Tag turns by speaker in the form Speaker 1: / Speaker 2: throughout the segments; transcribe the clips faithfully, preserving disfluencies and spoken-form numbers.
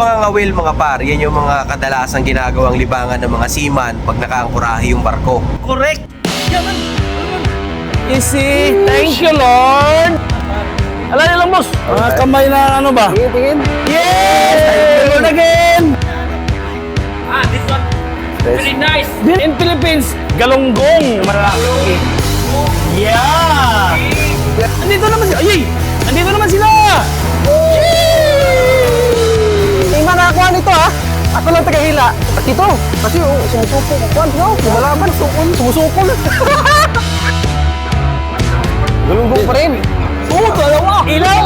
Speaker 1: pangangawil mga par, yan yung mga kadalasang ginagawang libangan ng mga seaman pag nakaangkurahe yung barko.
Speaker 2: Correct! Yaman! Easy! Thank you, Lord! Alala niyo lang, boss! Mga kamay na ano ba?
Speaker 3: Tingin, tingin.
Speaker 2: Yes! Thank you, Lord again!
Speaker 4: Ah, this one. Very nice.
Speaker 2: In Philippines, galunggong malaki. Yeah! Andito naman sila! Ayy! Andito naman sila!
Speaker 3: Hindi man nakakuha nito ha. Ako lang tagahila. At ito, kasi oh, sumusukol. Kuhan, no? Lumalaban, sukol. Sumusukol. Galunggong pa rin.
Speaker 2: Oo, dalawa! Ilaw!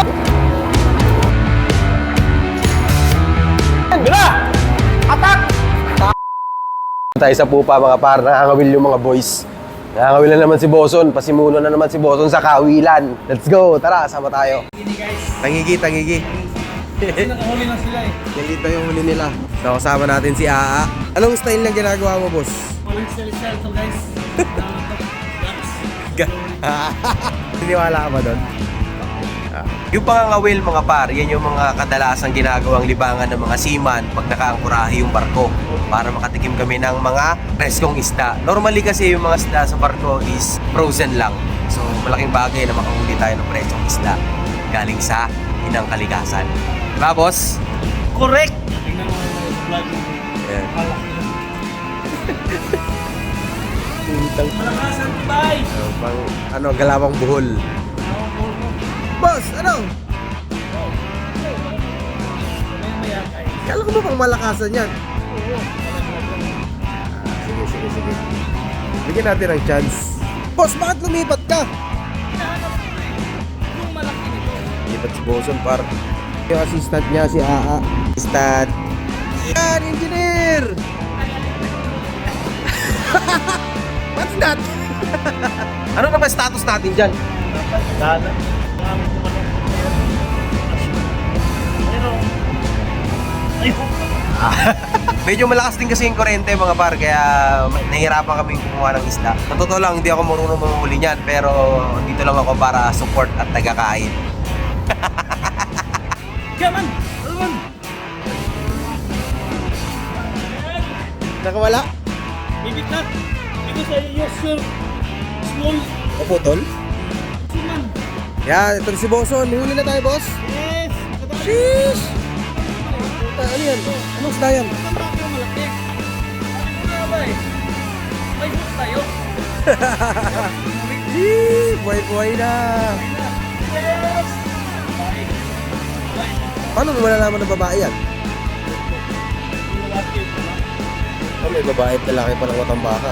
Speaker 2: Bila! Atak!
Speaker 3: Tayo sa pupa mga par, nakangawil yung mga boys. Nakangawil na naman si Boson, pasimuno na naman si Boson sa kawilan. Let's go, tara, sama tayo.
Speaker 1: Tangigi, tangigi.
Speaker 2: Nakahuli na sila eh.
Speaker 1: Yan dito yung huli nila. So, kasama natin si Aa. Anong style na ginagawa mo, boss?
Speaker 2: Walang sell-sell to guys.
Speaker 1: Niniwala ka ba doon? Yung pangangawil mga par, yan yung mga kadalasang ginagawang libangan ng mga seaman pag nakaangkurahe yung barko para makatikim kami ng mga preskong isda. Normally kasi yung mga isda sa barko is frozen lang. So malaking bagay na makahuli tayo ng preskong isda galing sa inang kalikasan. Diba, boss?
Speaker 2: Correct!
Speaker 1: Ayan.
Speaker 2: Malakasan tayo!
Speaker 1: So, pang, ano, galawang buhol. Boss, ano? Kala ko ba pang malakasan yan? Ah, sige, sige, sige. Bigyan natin ng chance. Boss, bakit lumipat ka? Lipat si Boson, par. Yung assistant niya, si Aa. Assistant. Yan, engineer! What's that? Ano na ba status natin dyan?
Speaker 2: Dana.
Speaker 1: Medyo malakas din kasi yung kurente mga par, kaya nahihirapan kaming kumuha ng isda. Sa totoo lang, hindi ako marunong mamuli niyan, pero dito lang ako para support at tagakain.
Speaker 2: Yaman! Yaman!
Speaker 1: Nakawala?
Speaker 2: Maybe not. Because I use your small
Speaker 1: Naputol?
Speaker 2: seaman.
Speaker 1: Yan, ito si Boson. Huli na tayo, boss.
Speaker 2: Yes!
Speaker 1: Sheesh! Puta, ano yan? Anong isda yan?
Speaker 2: Ang baka malaki. Ano ba eh? May hook tayo.
Speaker 1: Yee! Buhay-buhay na!
Speaker 2: Yes!
Speaker 1: Paano mo malalaman ng babae yan? Oh, may babae at lalaki pa ng watang baka.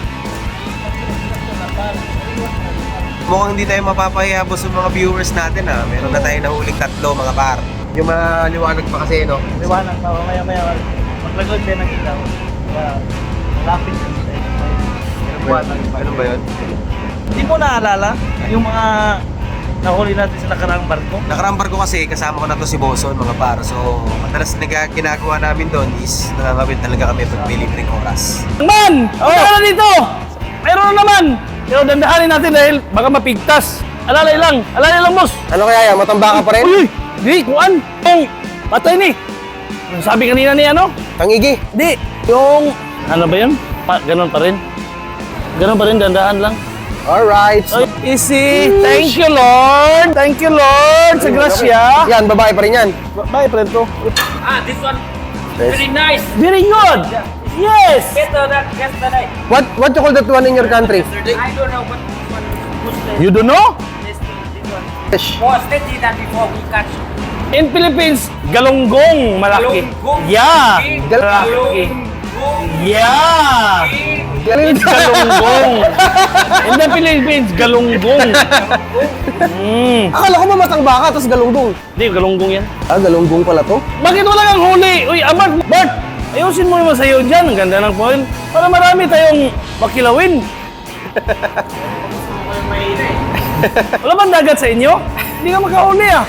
Speaker 1: Mukhang hindi tayo mapapahiya boss sa mga viewers natin ha. Meron na tayo nahuling tatlo mga par. Yung mga liwanag pa kasi no?
Speaker 2: Liwanag pa, maya-maya. Maglagod din ang ilaw. Kaya, lapit din tayo. May liwanag pa.
Speaker 1: Ano ba yun?
Speaker 2: Hindi mo naalala yung mga nahuli natin sa nakaraang barko?
Speaker 1: Nakarambar ko kasi kasama ko na to si Boson mga par. So madalas na ginagawa namin doon is nangangawin talaga kami pag may libreng oras.
Speaker 2: Man! Oh! Ano dito? Meron na naman! Pero dandahanin natin dahil baka mapigtas. Alalay lang! Alalay lang, boss!
Speaker 3: Ano kaya yan? Matambaka pa rin?
Speaker 2: Uy! Di! Kuan! Yung patay ni! Ang sabi kanina ni ano?
Speaker 3: Tangigi.
Speaker 2: Di! Yung... Ano ba yun? Pa, ganun pa rin. Ganun pa rin, dandahan lang.
Speaker 3: Alright.
Speaker 2: Oy, easy! Thank you, Lord! Thank you, Lord! Sa grasya!
Speaker 3: Yan, babae pa rin yan.
Speaker 2: Bye, friend ko.
Speaker 4: Ah, this one. Very nice.
Speaker 2: Very good! Yes!
Speaker 4: Better than yesterday.
Speaker 3: What what you call that one in your country?
Speaker 4: I don't know what this one was the
Speaker 2: You don't know?
Speaker 4: this, this one.
Speaker 3: Fish.
Speaker 4: Was steady than before we catch.
Speaker 2: In Philippines, galunggong malaki.
Speaker 4: Galunggong.
Speaker 2: Yeah!
Speaker 4: Big
Speaker 2: Malaki.
Speaker 4: galunggong.
Speaker 2: Yeah!
Speaker 4: Big
Speaker 2: Galunggong. In the Philippines, galunggong. Mm.
Speaker 3: Akala ko ba matambaka, tapos galunggong.
Speaker 2: Hindi, galunggong yan.
Speaker 3: Ah, galunggong pala to.
Speaker 2: Bakit wala kang huli? Uy, Abart, Bart! Ayusin mo naman sa'yo dyan. Ang ganda ng point. Para marami tayong makilawin. Wala bang dagat sa inyo? Hindi ka makahuli ah.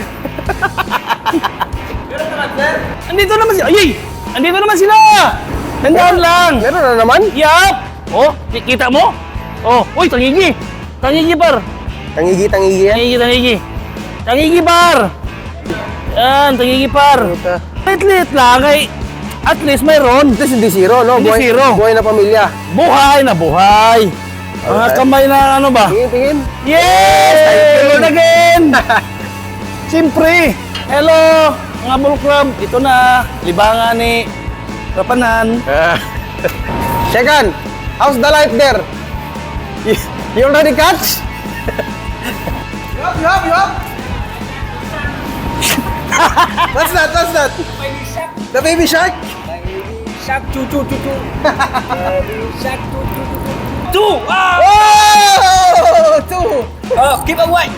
Speaker 2: Andito naman sila. Ayy! Andito naman sila! Tandaan lang!
Speaker 3: Meron na naman?
Speaker 2: Yap! Oh, kita mo? Oh, uy, tangigi! Tangigi par!
Speaker 3: Tangigi, tangigi yan.
Speaker 2: Tangigi, tangigi! Tangigi par! Yan, tangigi par!
Speaker 3: Puta.
Speaker 2: Lit-lit lang ay at least mayroon.
Speaker 3: At least hindi zero, no?
Speaker 2: Hindi
Speaker 3: buhay,
Speaker 2: zero.
Speaker 3: Buhay na pamilya.
Speaker 2: Buhay na buhay. Mga
Speaker 3: Alright.
Speaker 2: kamay na ano ba?
Speaker 3: Tingin, tingin.
Speaker 2: Yes! Hello again! Siyempre, hello mga Bull Club. Ito na, libangan ni Rapanan.
Speaker 3: Second, how's the light there? You, you already catch? yup, yup, yup. What's that? What's that? The baby shark?
Speaker 4: Shark, choo, choo, choo, choo. Baby shark, choo, choo, choo, choo. Two! Ah!
Speaker 3: Oh! Two!
Speaker 4: Oh, keep away!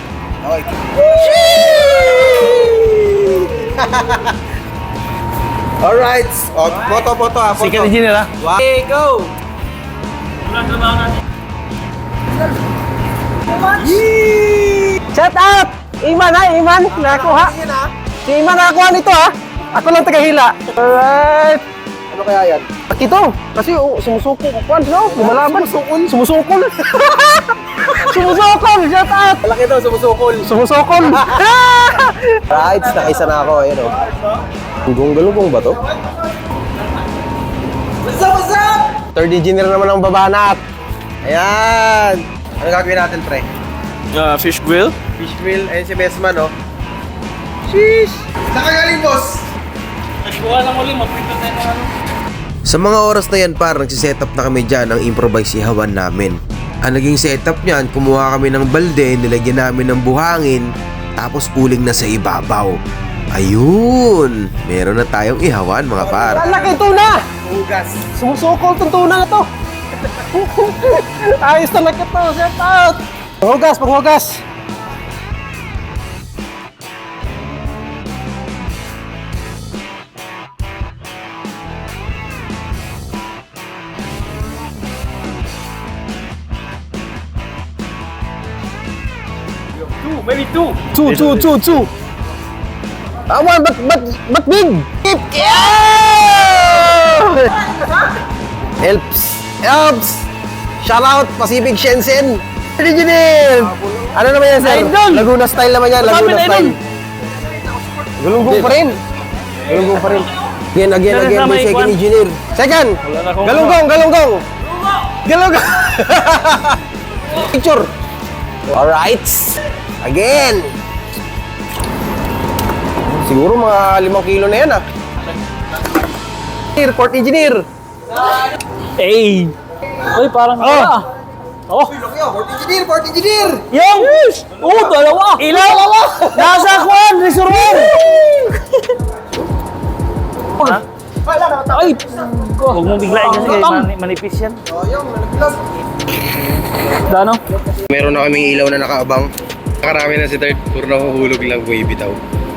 Speaker 3: Alright. Oh, photo, photo ah, photo.
Speaker 2: Sikat engineer ha.
Speaker 3: Okay, go!
Speaker 2: Shout out! Iman ha, Iman. Nakuha. Si Iman nakakuha nito ha. Ako lang tagahila. Alright.
Speaker 3: Ano kaya yan?
Speaker 2: Ito, kasi oh, sumusuko ko. Kwan, no? Lumalaban. Sumusukol. Sumusukol. Sumusukol. Shout out.
Speaker 3: Malaki daw, sumusukol.
Speaker 2: Sumusukol.
Speaker 3: Right, nakaisa na ako. Ayan o. Galunggong-galunggong ba to? What's up, what's up? Third engineer naman ang babanat. Ayan. Ano gagawin natin, pre?
Speaker 2: Uh, fish grill.
Speaker 3: Fish grill. Ayan si Besman, oh. Sheesh! Saan ka galing, boss?
Speaker 2: Nagkuha lang ulit. Magpito tayo ng ano.
Speaker 1: Sa mga oras na yan par, nagsisetup na kami dyan ng improvise ihawan namin. Ang naging setup niyan, kumuha kami ng balde, nilagyan namin ng buhangin, tapos uling na sa ibabaw. Ayun! Meron na tayong ihawan mga par.
Speaker 2: Laki tuna!
Speaker 3: Hugas.
Speaker 2: Sumusukol tong tuna na to. Ayos talaga to. Shout out! Panghugas, panghugas.
Speaker 4: Two, maybe two.
Speaker 2: Two, two, two, two. Ah, one, but, but, but big. Keep, yeah!
Speaker 3: Helps. Helps. Shout out, Pacific Shenzhen. Engineer. Ano naman yan, sir?
Speaker 2: Idol.
Speaker 3: Laguna style naman yan, Laguna
Speaker 2: Idol.
Speaker 3: style. Galunggong pa rin. Galunggong pa rin. Again, again,
Speaker 2: Meron
Speaker 3: again,
Speaker 2: sa
Speaker 3: may
Speaker 2: may
Speaker 3: second
Speaker 2: kwan.
Speaker 3: engineer. Second.
Speaker 2: Wala na akong
Speaker 3: Galunggong, galunggong. Galunggong. Picture. Alright. Again. Siguro mga limang kilo na yan, ah. Port engineer.
Speaker 2: Hey! Uy, parang oh. Oh!
Speaker 3: Port engineer, port engineer.
Speaker 2: Yung! Oh, dalawa! Ilaw! Dalawa! Nasa kwan! Reservoir! Ha? Ay! Huwag mong biglain kasi kay mani- manipis yan. Dano?
Speaker 3: Meron na kaming ilaw na nakaabang. Nakarami na si third. Puro nahuhulog lang buhay bitaw.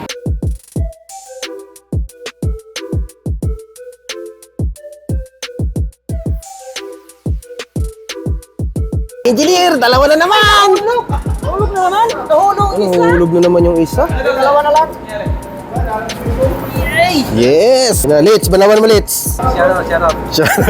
Speaker 3: Engineer, dalawa na naman!
Speaker 2: Hulog na naman! Nahulog!
Speaker 3: Nahulog na naman yung isa.
Speaker 2: Dalawa na lang!
Speaker 3: Yes! Na, Litz, banawan mo, Litz.
Speaker 2: Shout out, shout out.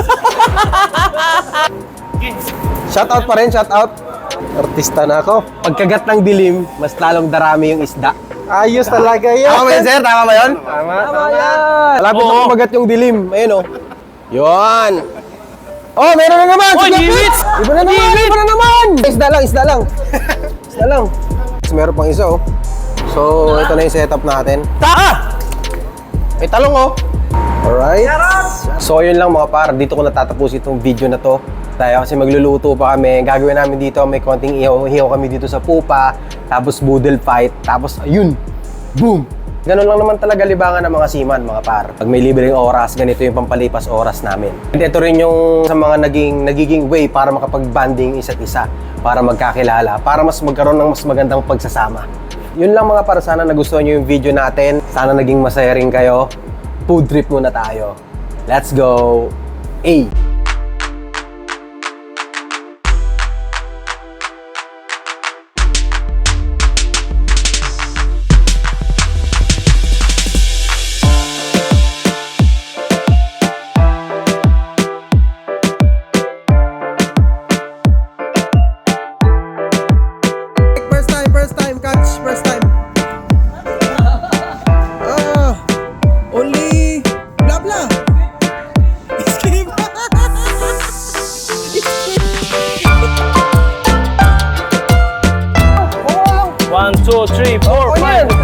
Speaker 3: Shout out pa rin, shout out. Artista na ako. Pagkagat ng dilim, mas lalong darami yung isda. Ayos talaga yan. Tama ba yun, sir? Tama ba yun? Tama, tama. yan. Malapit na
Speaker 2: Oo.
Speaker 3: kumagat yung dilim. Ayun, oh. Yun. Oh, meron na naman!
Speaker 2: Oy,
Speaker 3: Sige,
Speaker 2: Litz!
Speaker 3: Iba na naman! Iba na naman! Isda lang, isda lang. Isda lang. Tapos meron pang isa, oh. So, ito na yung setup natin.
Speaker 2: Ta!
Speaker 3: May talong, oh. Alright. So, yun lang mga par. Dito ko natatapos itong video na to. Tayo kasi magluluto pa kami. Gagawin namin dito, may konting ihaw-ihaw kami dito sa pupa. Tapos boodle fight. Tapos, ayun. Boom! Ganon lang naman talaga libangan ng mga seaman, mga par. Pag may libreng oras, ganito yung pampalipas oras namin. And ito rin yung sa mga naging, nagiging way para makapag-banding isa't isa. Para magkakilala. Para mas magkaroon ng mas magandang pagsasama. Yun lang mga para, sana nagustuhan nyo yung video natin. Sana naging masaya rin kayo. Food trip muna tayo. Let's go! A! First time, first time, catch, first time. Ah.
Speaker 2: two, three, four,
Speaker 3: Oh,
Speaker 2: five.
Speaker 3: yan.